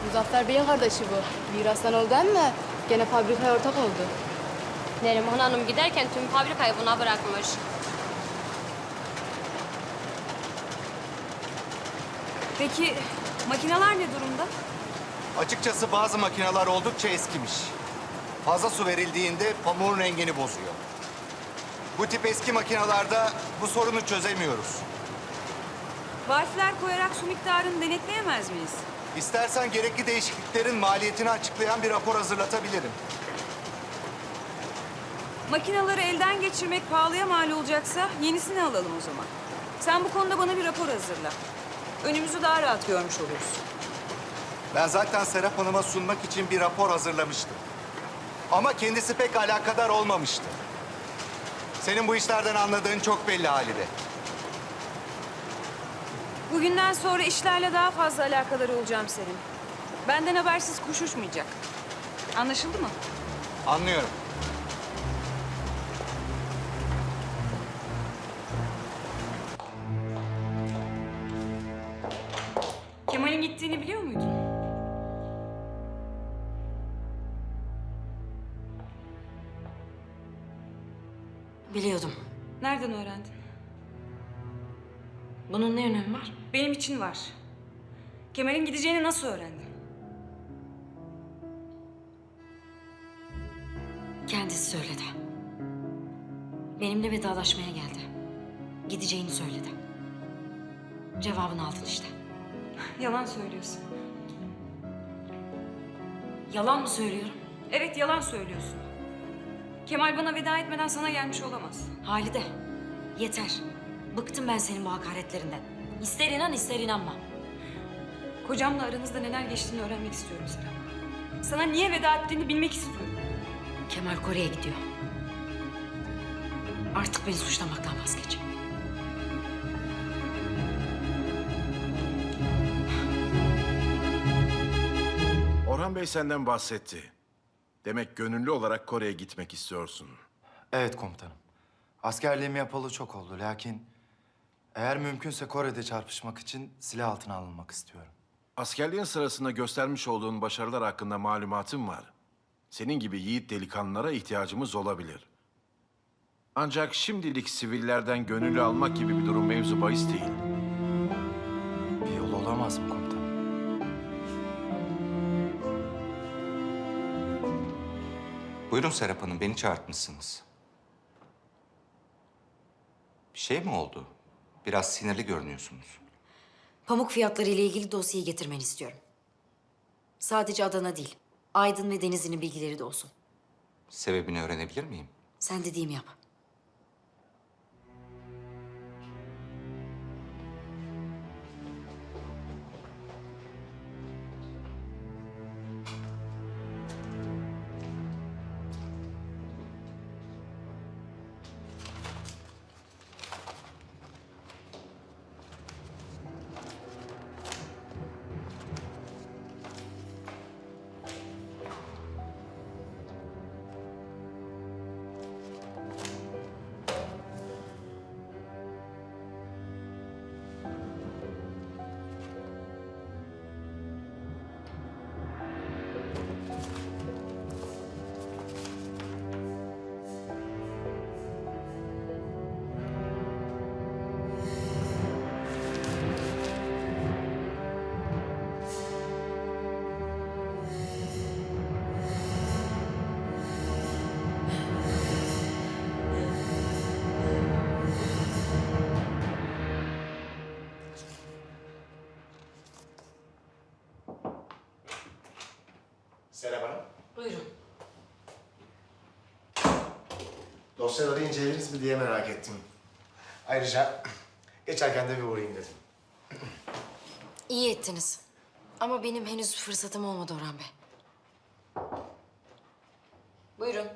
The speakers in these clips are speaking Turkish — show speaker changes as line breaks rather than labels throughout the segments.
Muzaffer Bey'in kardeşi bu. Mirastan oldu ama gene fabrikaya ortak oldu.
Neriman Hanım giderken tüm fabrikayı buna bırakmış.
Peki makineler ne durumda?
Açıkçası bazı makineler oldukça eskimiş. Fazla su verildiğinde pamuğun rengini bozuyor. Bu tip eski makinelerde bu sorunu çözemiyoruz.
Valfler koyarak su miktarını denetleyemez miyiz?
İstersen gerekli değişikliklerin maliyetini açıklayan bir rapor hazırlatabilirim.
Makineleri elden geçirmek pahalıya mal olacaksa yenisini alalım o zaman. Sen bu konuda bana bir rapor hazırla. Önümüzü daha rahat görmüş oluruz.
Ben zaten Serap Hanım'a sunmak için bir rapor hazırlamıştım. Ama kendisi pek alakadar olmamıştı. Senin bu işlerden anladığın çok belli Halide.
Bugünden sonra işlerle daha fazla alakadar olacağım senin. Benden habersiz kuş uçmayacak. Anlaşıldı mı?
Anlıyorum.
Kemal'in gittiğini biliyor muydun?
Biliyordum.
Nereden öğrendin?
Bunun ne önemi var?
Benim için var. Kemal'in gideceğini nasıl öğrendin?
Kendisi söyledi. Benimle vedalaşmaya geldi. Gideceğini söyledi. Cevabını aldın işte.
Yalan söylüyorsun.
Yalan mı söylüyorum?
Evet, yalan söylüyorsun. Kemal bana veda etmeden sana gelmiş olamaz.
Halide, yeter. Bıktım ben senin bu hakaretlerinden. İster inan ister inanma.
Kocamla aranızda neler geçtiğini öğrenmek istiyorum Serap. Sana niye veda ettiğini bilmek istiyorum.
Kemal Kore'ye gidiyor. Artık beni suçlamaktan vazgeç.
Orhan Bey senden bahsetti. Demek gönüllü olarak Kore'ye gitmek istiyorsun.
Evet komutanım. Askerliğimi yapalı çok oldu. Lakin eğer mümkünse Kore'de çarpışmak için silah altına alınmak istiyorum.
Askerliğin sırasında göstermiş olduğun başarılar hakkında malumatım var. Senin gibi yiğit delikanlılara ihtiyacımız olabilir. Ancak şimdilik sivillerden gönüllü almak gibi bir durum mevzu bahis değil.
Bir yol olamaz mı komutanım?
Buyurun Serap Hanım, beni çağırtmışsınız. Bir şey mi oldu? Biraz sinirli görünüyorsunuz.
Pamuk fiyatları ile ilgili dosyayı getirmeni istiyorum. Sadece Adana değil, Aydın ve Denizli'nin bilgileri de olsun.
Sebebini öğrenebilir miyim?
Sen dediğimi yap.
Serap Hanım,
Buyurun.
dosyaları incelediniz mi diye merak ettim. Ayrıca geçerken de bir uğrayayım dedim.
İyi ettiniz. Ama benim henüz fırsatım olmadı Orhan Bey. Buyurun.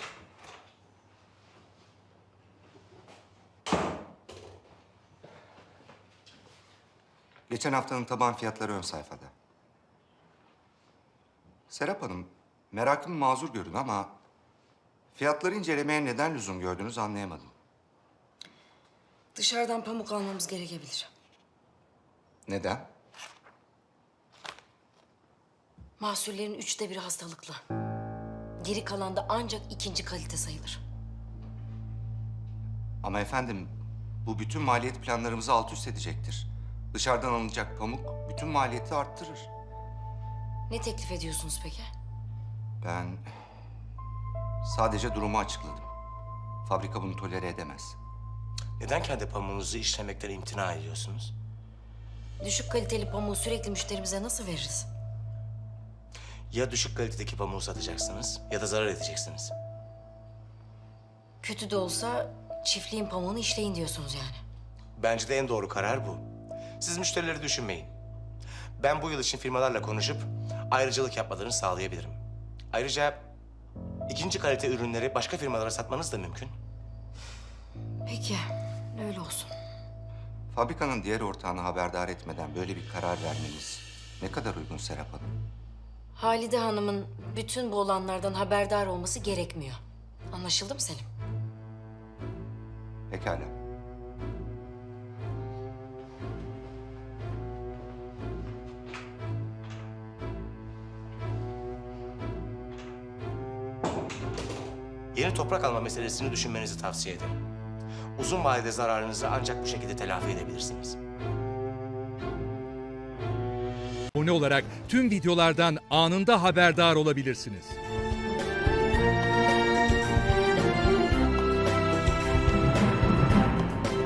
Geçen haftanın taban fiyatları ön sayfada. Serap Hanım, merakım mazur görün ama fiyatları incelemeye neden lüzum gördünüz anlayamadım.
Dışarıdan pamuk almamız gerekebilir.
Neden?
Mahsullerin 1/3 hastalıklı. Geri kalan da ancak 2. kalite sayılır.
Ama efendim, bu bütün maliyet planlarımızı alt üst edecektir. Dışarıdan alınacak pamuk bütün maliyeti arttırır.
Ne teklif ediyorsunuz peki?
Ben sadece durumu açıkladım. Fabrika bunu tolere edemez.
Neden kendi pamuğunuzu işlemekten imtina ediyorsunuz?
Düşük kaliteli pamuğu sürekli müşterimize nasıl veririz?
Ya düşük kalitedeki pamuğu satacaksınız ya da zarar edeceksiniz.
Kötü de olsa çiftliğin pamuğunu işleyin diyorsunuz yani.
Bence de en doğru karar bu. Siz müşterileri düşünmeyin. Ben bu yıl için firmalarla konuşup ayrıcalık yapmalarını sağlayabilirim. Ayrıca 2. kalite ürünleri başka firmalara satmanız da mümkün.
Peki, öyle olsun.
Fabrikanın diğer ortağını haberdar etmeden böyle bir karar vermeniz ne kadar uygun Serap Hanım?
Halide Hanım'ın bütün bu olanlardan haberdar olması gerekmiyor. Anlaşıldı mı Selim?
Pekala.
Yeni toprak alma meselesini düşünmenizi tavsiye ederim. Uzun vadede zararınızı ancak bu şekilde telafi edebilirsiniz.
Abone olarak tüm videolardan anında haberdar olabilirsiniz.